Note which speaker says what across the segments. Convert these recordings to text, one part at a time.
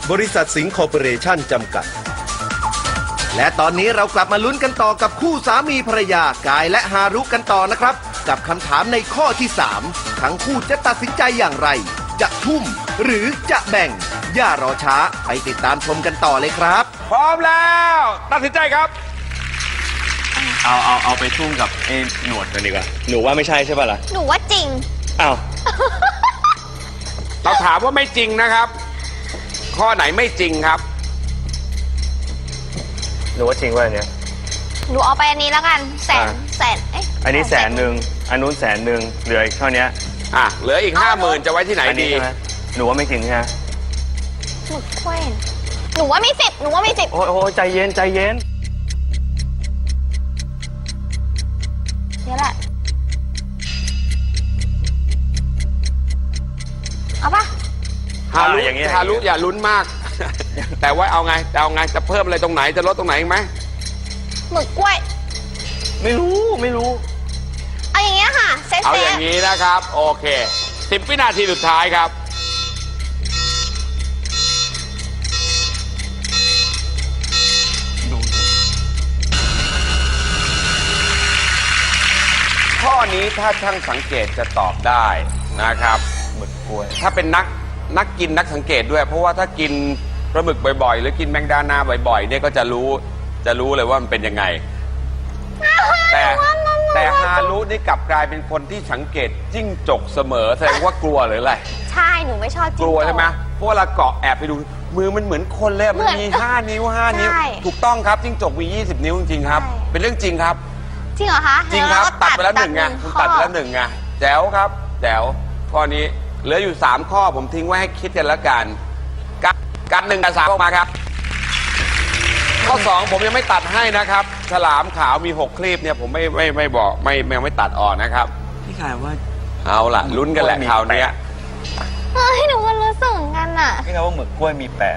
Speaker 1: บริษัทสิงห์คอร์ปอเรชั่นจำกัดและตอนนี้เรากลับมาลุ้นกันต่อกับคู่สามีภรรยากายและฮารุกันต่อนะครับกับคำถามในข้อที่3ทั้งคู่จะตัดสินใจอย่างไรจะทุ่มหรือจะแบ่งอย่ารอช้าไปติดตามชมกันต่อเลยครับ
Speaker 2: พร้อมแล้วตัดสินใจครับ
Speaker 3: เอาไปทุ่มกับหนวดกันดีกว่าหนูว่าไม่ใช่ใช่ป่ะล่ะ
Speaker 4: หนูว่าจริง
Speaker 3: อ้าว
Speaker 2: เราถามว่าไม่จริงนะครับข้อไหนไม่จริงครับ
Speaker 3: หนูว่าจริงว่าอันเนี้ย
Speaker 4: หนูเอาไปอันนี้แล้วกันแสน
Speaker 3: อันนี้100,000อันนู้น100,000เหลืออีกเท่านี้
Speaker 2: เหลืออีก50,000จะไว้ที่ไหนดี
Speaker 3: หนูว่าไม่จริงใช่ไหม
Speaker 4: หนูเคว้นหนูว่าไม่10
Speaker 3: โอ้ใจเย็น
Speaker 4: นี่แหละเอาปะ
Speaker 2: ฮารุอย่าลุ้นมากแต่ว่าเอาไงจะเพิ่มอะไรตรงไหนจะลดตรงไหนอีกไหม
Speaker 4: หมึกกล้วย
Speaker 3: ไม่รู้
Speaker 4: เอาอย่างเงี้ยค่ะ
Speaker 2: เอาอย่างนี้นะครับโอเค10 วินาทีสุดท้ายครับข้อนี้ถ้าช่างสังเกตจะตอบได้นะครับ
Speaker 3: หมึกกล้วย
Speaker 2: ถ้าเป็นนักกินนักสังเกตด้วยเพราะว่าถ้ากินปลาหมึกบ่อยๆหรือกินแมงดานาบ่อยๆเนี่ยก็จะรู้เลยว่ามันเป็นยังไงแต่ฮารุนี่กลับกลายเป็นคนที่สังเกตจิ้งจกเสมอแสดงว่ากลัวหรืออะไร
Speaker 4: ใช่หนูไม่ชอบจิ้งจก
Speaker 2: กลัวใช่ไหมเพราะเวลาเกาะแอบไปดูมือมันเหมือนคนเลยมันมี5 นิ้วถูกต้องครับจิ้งจกมี20 นิ้วจริงๆครับเป็นเรื่องจริงครับ
Speaker 4: จริงเหรอคะ
Speaker 2: จริงครับตัดไปแล้ว1ไงคุณตัดไปแล้ว1ไงแจ๋วครับแจ๋วข้อนี้เหลืออยู่3ข้อผมทิ้งไว้ให้คิดกันแล้วกันกัน1กับ3ออกมาครับข้อ2ผมยังไม่ตัดให้นะครับฉลามขาวมี6คลีปเนี่ยผมไม่บอกไม่ตัดออกนะครับ
Speaker 3: พี่ขายว่า
Speaker 2: เอาล่ะลุ้นกันแหละคราวนี้
Speaker 4: หนูก็รู้สึกเหมือนกันอ่ะ
Speaker 3: พี่ขายว่าหมึกกล้วยมี8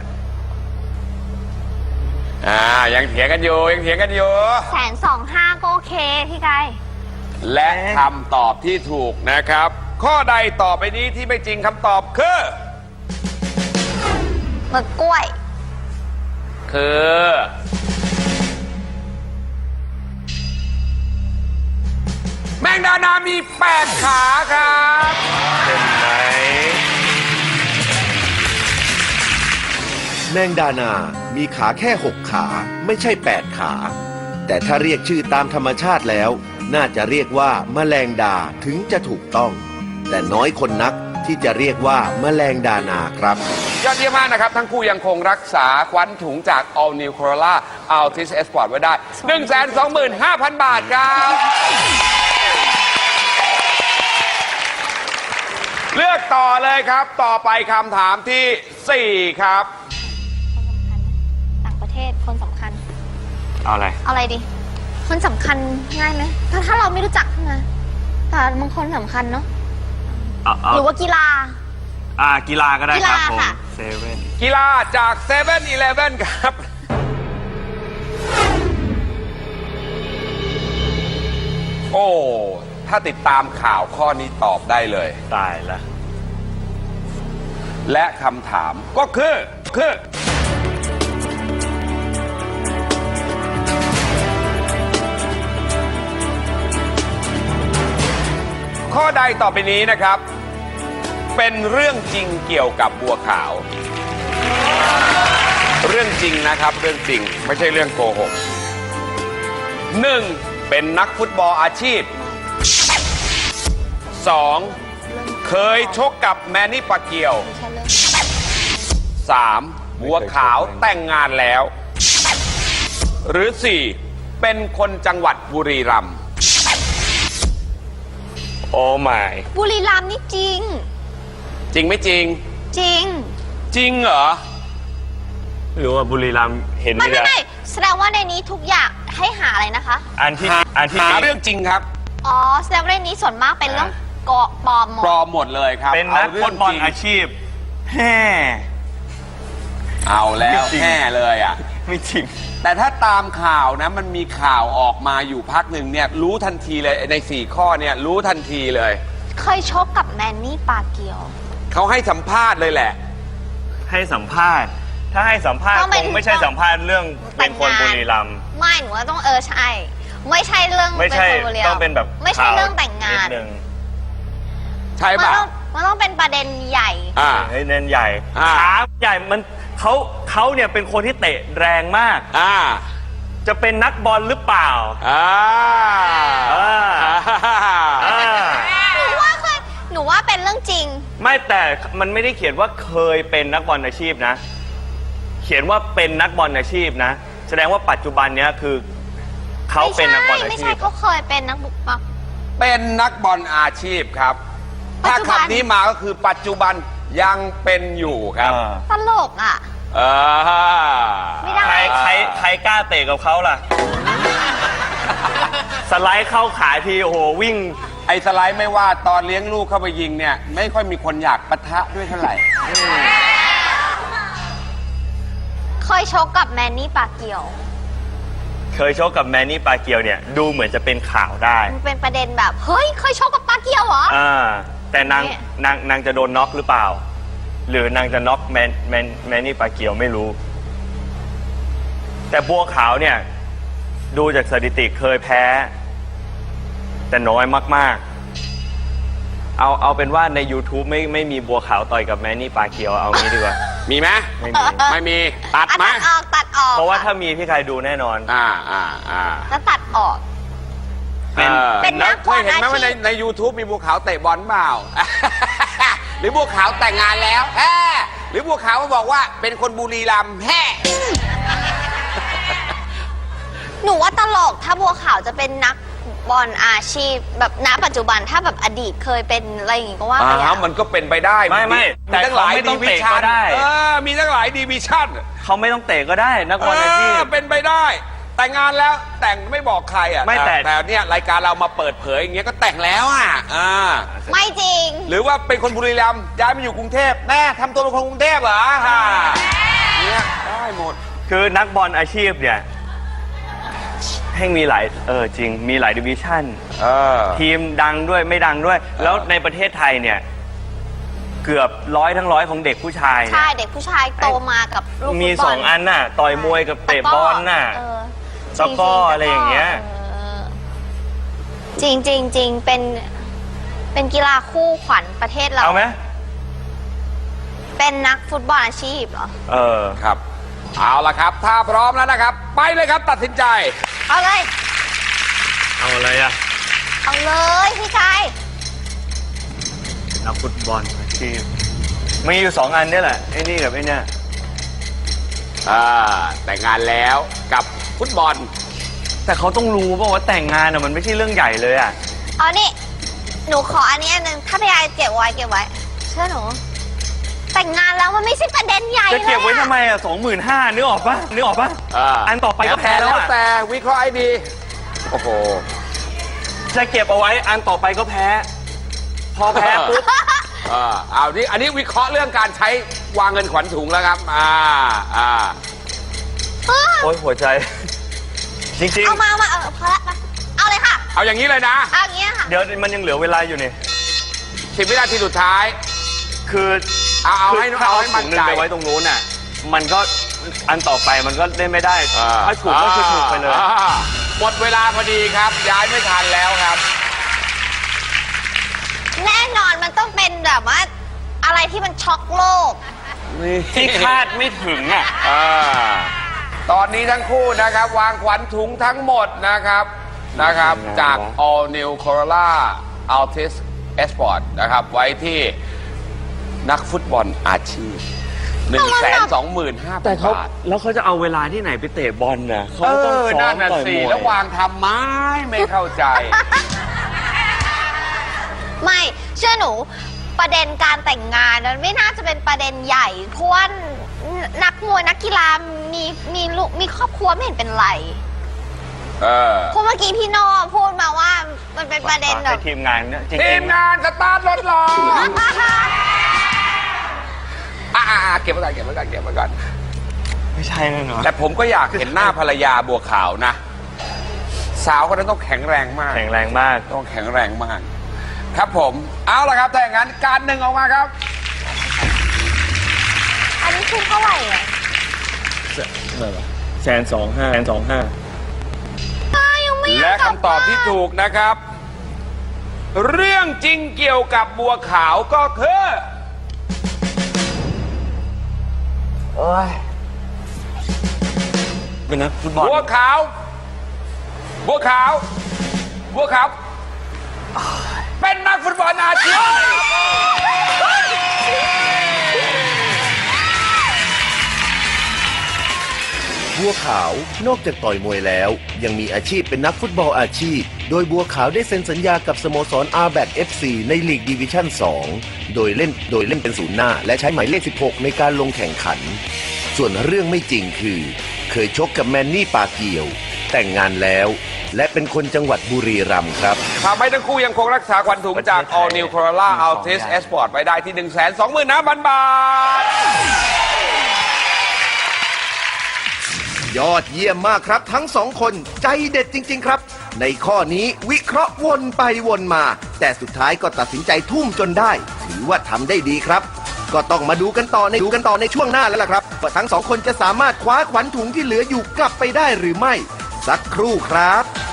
Speaker 2: ยังเถียงกันอยู่
Speaker 4: 125,000ก็โอเคพี่กาย
Speaker 2: และคำตอบที่ถูกนะครับข้อใดต่อไปนี้ที่ไม่จริงคำตอบคือ
Speaker 4: หมึกกล้วย
Speaker 2: คือแมงดานามี8 ขาครับ
Speaker 3: เห็นไหม
Speaker 1: แมงดานามีขาแค่6 ขาไม่ใช่8 ขาแต่ถ้าเรียกชื่อตามธรรมชาติแล้วน่าจะเรียกว่าแมลงดาถึงจะถูกต้องแต่น้อยคนนักที่จะเรียกว่าแมลงดานาครับ
Speaker 2: ยอดเยี่ยมมากนะครับทั้งคู่ยังคงรักษาควันถุงจาก All New Corolla Altis Sport ไว้ได้ 125,000 บาทครับเลือกต่อเลยครับต่อไปคำถามที่4ครับ
Speaker 4: ต่างประเทศคนสำคัญ
Speaker 3: เอาอะไร
Speaker 4: ดีคนสำคัญง่ายไหมถ้าเราไม่รู้จักนะแต่บางคนสำคัญเนาะหรือว่ากีฬา
Speaker 3: กีฬาก็ได้ครับผมเซเว่น
Speaker 2: กีฬาจาก7-Eleven ครับโอ้ถ้าติดตามข่าวข้อนี้ตอบได้เลย
Speaker 3: ตายละ
Speaker 2: และคำถามก็คือข้อใดต่อไปนี้นะครับเป็นเรื่องจริงเกี่ยวกับบัวขาวเรื่องจริงนะครับเรื่องจริงไม่ใช่เรื่องโกหก1เป็นนักฟุตบอลอาชีพ2เคยชกกับแมนนี่ปาเกียว3บัวขาวแต่งงานแล้วหรือ4เป็นคนจังหวัดบุรีรัมย์
Speaker 3: โอ้ไม่
Speaker 4: บุรีรัมย์นี่จริง
Speaker 2: ไม่จริง
Speaker 4: จริง
Speaker 2: เหรอ
Speaker 3: ไม่รู้ว่าบุรีรัมย์เห็น
Speaker 4: ไม่แสดงว่าในนี้ทุกอย่างให้หาอะไรนะคะ
Speaker 3: อันที่
Speaker 2: หาเรื่องจริงครับ
Speaker 4: แสดงว่าในนี้ส่วนมากเป็นเรื่องปลอม
Speaker 2: หมดเลยครับ
Speaker 3: เป็นนักฟุตบอลอาชีพ
Speaker 2: เอาแล้วแห่เลย
Speaker 3: ไม่จริง
Speaker 2: แต่ถ้าตามข่าวนะมันมีข่าวออกมาอยู่พักหนึ่งเนี่ยรู้ทันทีเลยใน4 ข้อเนี่ยรู้ทันทีเลย
Speaker 4: เคยชกกับแมนนี่ปาเกียว
Speaker 2: เขาให้สัมภาษณ์เลยแหละ
Speaker 3: ให้สัมภาษณ์ถ้าให้สัมภาษณ์
Speaker 4: ต้อง
Speaker 3: ค
Speaker 4: เป็น
Speaker 3: งไม่ใช่สัมภาษณ์เรื่องเป็นคนบุรีรัมย์
Speaker 4: ไม่หนูว่าต้องใช่ ไม่ใช่เรื่อง
Speaker 3: ไม่ใช่
Speaker 4: เป็นคนบุรีรัมย์
Speaker 3: ต้องเป็นแบบ
Speaker 4: ไม่ใช่เรื่องแต่งงาน
Speaker 3: ดนึง
Speaker 2: ใช่
Speaker 4: มัน
Speaker 2: ป่ะ
Speaker 4: ต้องเป็นประเด็นใหญ่
Speaker 2: อ่า
Speaker 3: เฮ้ยเน้นใหญ่
Speaker 2: อ่า
Speaker 3: ขาใหญ่มันเขาเนี่ยเป็นคนที่เตะแรงมาก
Speaker 2: อ่า
Speaker 3: จะเป็นนักบอลหรือเปล่า
Speaker 2: อ่า
Speaker 3: อ่า อ่า
Speaker 4: หนูว่าเป็นเรื่องจริง
Speaker 3: ไม่แต่มันไม่ได้เขียนว่าเคยเป็นนักบอลอาชีพนะ เขียนว่าเป็นนักบอลอาชีพนะ แสดงว่าปัจจุบันเนี้ยคือเขาเป็นนักบอลอา
Speaker 4: ไม่
Speaker 3: ชี
Speaker 4: ใช่
Speaker 3: พ
Speaker 4: เขาเคยเป็นนักบุกปัก
Speaker 2: เป็นนักบอลอาชีพครับ
Speaker 4: ปัจ
Speaker 2: ถ้า
Speaker 4: จุบัน
Speaker 2: คำนี้มาก็คือปัจจุบันยังเป็นอยู่ครับ
Speaker 4: ตลกอ่ะ
Speaker 2: อ่า
Speaker 4: ไม่ได้
Speaker 3: ใครกล้าเตะกับเขาล่ะ สไลด์เข้าขาทีโอ้โหวิ่ง
Speaker 2: ไอ้สไลด์ไม่ว่าตอนเลี้ยงลูกเข้าไปยิงเนี่ย ไม่ค่อยมีคนอยากปะทะด้วยเท่าไหร่
Speaker 4: เคยชกกับแมนนี่ปากเกียว
Speaker 3: เคยชกกับแมนนี่ปาเกียวเนี่ยดูเหมือนจะเป็นข่าวได้
Speaker 4: มันเป็นประเด็นแบบ เฮ้ย เคยชกกับปากเกียวเหรอ
Speaker 3: แต่นาง
Speaker 4: เนี่ย
Speaker 3: นางจะโดนน็อกหรือเปล่า หรือนางจะน็อกแมนนี่ปาเกียวไม่รู้ แต่บัวขาวเนี่ยดูจากสถิติเคยแพ้ แต่น้อยมากๆ เอาเป็นว่าใน YouTube ไม่มีบัวขาวต่อยกับแมนนี่ปาเกียวเอางี้ดีกว่า
Speaker 2: มีไหม
Speaker 3: ไม่มี
Speaker 2: ไม่มี ตัดไหม
Speaker 4: ตัดออก
Speaker 3: เพราะว่าถ้ามีพี่ใครดูแน่นอน
Speaker 2: อ่า
Speaker 4: แล้วตัดออก เป็นนักบอล
Speaker 2: เคยเห็นไหม
Speaker 4: อาชีพ
Speaker 2: ว่าใน YouTube มีบัวขาวเตะบอลเปล่า หรือบัวขาวแต่งงานแล้วแฮ่หรือบัวขาวมาบอกว่าเป็นคนบุรีรัมย์แฮ่
Speaker 4: หนูว่าตลกถ้าบัวขาวจะเป็นนักบอลอาชีพ แบบณปัจจุบันถ้าแบบอดีตเคยเป็นอะไรอย่างงี้ก็ว่าไปอะ
Speaker 2: มันก็เป็นไปได้
Speaker 3: ไม่แต่
Speaker 2: ตั้งหลาย
Speaker 3: เขาไม่ต้
Speaker 2: ดี
Speaker 3: อง
Speaker 2: วิ
Speaker 3: เตะ
Speaker 2: ชั่
Speaker 3: ก็
Speaker 2: น
Speaker 3: ได้
Speaker 2: มีตั้งหลายดีวิชั่น
Speaker 3: เขาไม่ต้องเตะก็ได้นักบอลอาชีพ
Speaker 2: เป็นไปได้ แต่งงานแล้วแต่งไม่บอกใครอ่ะ
Speaker 3: ไม่แต่
Speaker 2: แต่เนี่ยรายการเรามาเปิดเผยอย่างเงี้ยก็แต่งแล้วอ่ะ
Speaker 4: ไม่จริง
Speaker 2: หรือว่าเป็นคนบุรีรัมย์ย้ายมาอยู่กรุงเทพแม่ทำตัวเป็นคนกรุงเทพเหรอเนี่ยได้หมด
Speaker 3: คือนักบอลอาชีพเนี่ยให้มีหลายจริงมีหลายดิวิชั่นทีมดังด้วยไม่ดังด้วย แล้วในประเทศไทยเนี่ยเกือบทั้งร้อยของเด็กผู้ชายเนี่ย
Speaker 4: ใช่เด็กผู้ชายโตมากับลูก
Speaker 3: มี
Speaker 4: ฟุตบล
Speaker 3: 2 อันน่ะต่อยมวยกับเตะบอลน่ะ
Speaker 4: จริง
Speaker 3: ตะกร้ออะไรอย่างเงี้ย
Speaker 4: จริงเป็นกีฬาคู่ขวัญประเทศเรา
Speaker 3: เอาไหม
Speaker 4: เป็นนักฟุตบอลอาชีพเหรอ
Speaker 2: ครับ เอาละครับ ถ้าพร้อมแล้วนะครับ ไปเลยครับตัดสินใจ
Speaker 4: เอาเลย
Speaker 3: เอาอะไรอ่ะ
Speaker 4: เอาเลยพี่ชาย
Speaker 3: นักฟุตบอลอาชีพมีอยู่2 อันนี่แหละไอ้นี่กับไอ้เนี่ย
Speaker 2: แต่งงานแล้วกับฟุตบอล
Speaker 3: แต่เขาต้องรู้ป่ะว่าแต่งงานอ่ะมันไม่ใช่เรื่องใหญ่เลยอ่ะ
Speaker 4: เอานี่ หนูขออันนี้อันหนึ่งถ้าพี่ชายเก็บไว้ เชื่อหนู แต่งงานแล้วมันไม่ใช่ประเด็นใหญ่
Speaker 3: จะเก็บไว้
Speaker 4: ลยอะ
Speaker 3: ทำไมอ่ะ25,000นึกออกปะอันต่อไปก็แพ้แล้วอ่ะ
Speaker 2: แต่วิเคราะห์ให้ดี โอ้โห
Speaker 3: จะเก็บเอาไว้อันต่อไปก็แพ้ พอแพ้ปุ๊บ
Speaker 2: อันนี้วิเคราะห์เรื่องการใช้วางเงินขวัญถุงแล้วครับ
Speaker 3: โอ๊ยหัวใจ จริง
Speaker 4: เอามาพอละมาเอาเลยค่ะ
Speaker 2: เอาอย่างนี้เลยนะ
Speaker 4: เอาอย่างเงี้ยค่ะ
Speaker 3: ๆ เดี๋ยวมันยังเหลือเวลาอยู่นี่
Speaker 2: 10 วินาทีสุดท้าย
Speaker 3: คือ
Speaker 2: เอาให้
Speaker 3: ถ้า
Speaker 2: เอา
Speaker 3: เอา
Speaker 2: ให้มั่
Speaker 3: ถุ
Speaker 2: น
Speaker 3: งหนึง
Speaker 2: ใจ
Speaker 3: ไปไว้ตรงนู้นน่ะ มันก็อันต่อไปมันก็เล่นไม่ได้ ถ้าถูกก็คือถูกไปเลย
Speaker 2: หมดเวลาพอดีครับ ย้ายไม่ทันแล้วครับ
Speaker 4: แน่นอนมันต้องเป็นแบบว่า อะไรที่มันช็อกโลก
Speaker 3: ที่คาดไม่ถึงอ่ะ
Speaker 2: ตอนนี้ทั้งคู่นะครับ วางขวัญถุงทั้งหมดนะครับจาก All New Corolla Altis Sport นะครับไว้ที่นักฟุตบอลอาชีพ 125,000
Speaker 3: แต่เขา
Speaker 2: บาท
Speaker 3: แล้วเขาจะเอาเวลาที่ไหนไปเตะบอลน่ะเขาต้องซ้อ
Speaker 2: นั่
Speaker 3: ม
Speaker 2: นน่ะ
Speaker 3: ต่อย
Speaker 2: สิ
Speaker 3: มวย
Speaker 2: แล้ววางทำไมไม่เข้าใจ
Speaker 4: ไม่เชื่อหนูประเด็นการแต่งงานมันไม่น่าจะเป็นประเด็นใหญ่เพราะว่านักมวยนักกีฬามีลูกมีครอบครัวไม่เห็นเป็นไรเพราะเมื่อกี้พี่โน่พูดมาว่ามันเป็นประเด็นแบบ
Speaker 3: ทีมงานเนี่ยจริง
Speaker 2: ทีมงานสตาร์ทรถรอเก็บไว้ก่อน
Speaker 3: ๆไม่ใช่แน่นอน
Speaker 2: แต่ผมก็อยากเห็นหน้าภรรยาบัวขาวนะ สาวคนนั้นต้องแข็งแรงมาก
Speaker 3: แข็งแรงมาก
Speaker 2: ต้องแข็งแรงมาก ครับผม เอาละครับถ้าอย่างนั้นการหนึ่งออกมาครับ
Speaker 4: อันนี้คือเท่าไหร่อ่ะ
Speaker 3: 125,000,025
Speaker 4: ยังไม่อยาก
Speaker 2: และ
Speaker 4: กลับ
Speaker 2: คำตอบที่ถูกนะครับ เรื่องจริงเกี่ยวกับบัวขาวก็คือ
Speaker 3: เป็นนักฟุตบอล
Speaker 2: บัวขาว บัวขาว บัวขาว เป็นนักฟุตบอลอาชีพ
Speaker 1: บัวขาวนอกจากต่อยมวยแล้ว ยังมีอาชีพเป็นนักฟุตบอลอาชีพ โดยบัวขาวได้เซ็นสัญญากับสโมสร RBAC FC ในลีกดิวิชั่น 2 โดยเล่นเป็นศูนย์หน้าและใช้หมายเลข 16 ในการลงแข่งขัน ส่วนเรื่องไม่จริงคือ เคยชกกับแมนนี่ปาเกียว แต่งงานแล้ว และเป็นคนจังหวัดบุรีรัมย์ครับ
Speaker 2: ทำให้ทั้งคู่ยังคงรักษาขวัญถุงจาก All New Corolla Altis Sport ไว้ได้ที่ 125,000 บาท
Speaker 1: ยอดเยี่ยมมากครับทั้งสองคนใจเด็ดจริงๆครับ ในข้อนี้วิเคราะห์วนไปวนมา แต่สุดท้ายก็ตัดสินใจทุ่มจนได้ ถือว่าทำได้ดีครับ ก็ต้องมาดูกันต่อในช่วงหน้าแล้วล่ะครับว่าทั้งสองคนจะสามารถคว้าขวัญถุงที่เหลืออยู่กลับไปได้หรือไม่ สักครู่ครับ